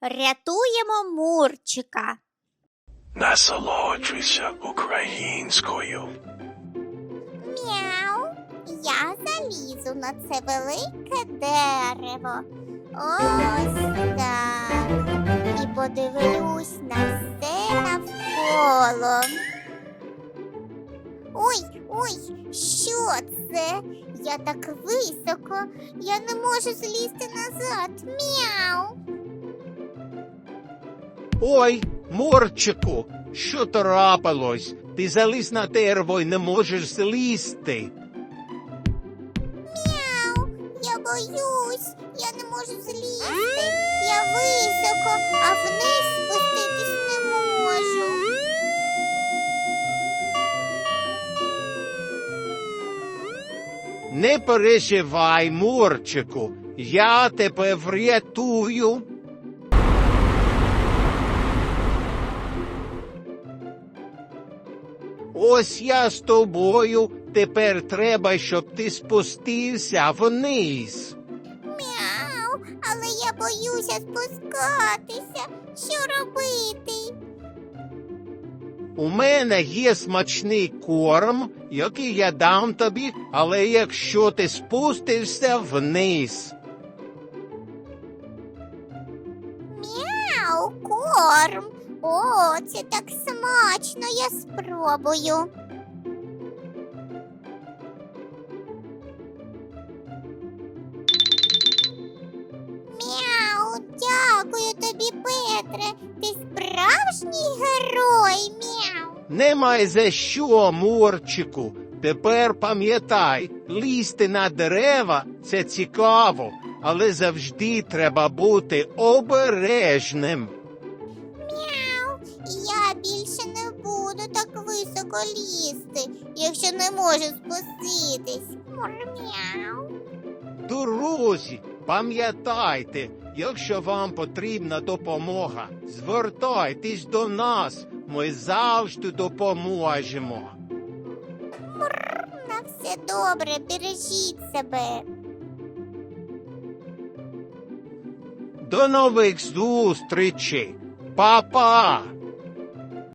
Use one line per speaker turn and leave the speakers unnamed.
Рятуємо Мурчика.
Насолоджуйся українською.
Мяу. Я залізу на це велике дерево. Ось так. І подивлюсь на все навколо. Ой, що це? Я так високо, я не можу злізти назад. Мяу.
Ой, Мурчику, що трапилось? Ти заліз на дерево і не можеш злізти.
Мяу. Я боюсь, я не можу злізти. Я високо, а вниз спуститись не можу.
Не переживай, Мурчику, я тебе врятую. Ось я з тобою, тепер треба, щоб ти спустився вниз.
Мяу, але я боюся спускатися. Що робити?
У мене є смачний корм, який я дам тобі, але якщо ти спустишся вниз.
Мяу, корм. О, це так смачно, я спробую. Мяу, дякую тобі, Петре. Ти справжній герой, мяу.
Немає за що, Мурчику. Тепер пам'ятай, лізти на дерева – це цікаво, але завжди треба бути обережним.
Мяу, я більше не буду так високо лізти, якщо не можу спуститись. Мяу.
Друзі, пам'ятайте, якщо вам потрібна допомога, звертайтесь до нас, ми завжди допоможемо.
На все добре, бережіть себе.
До нових зустрічей! Па-па!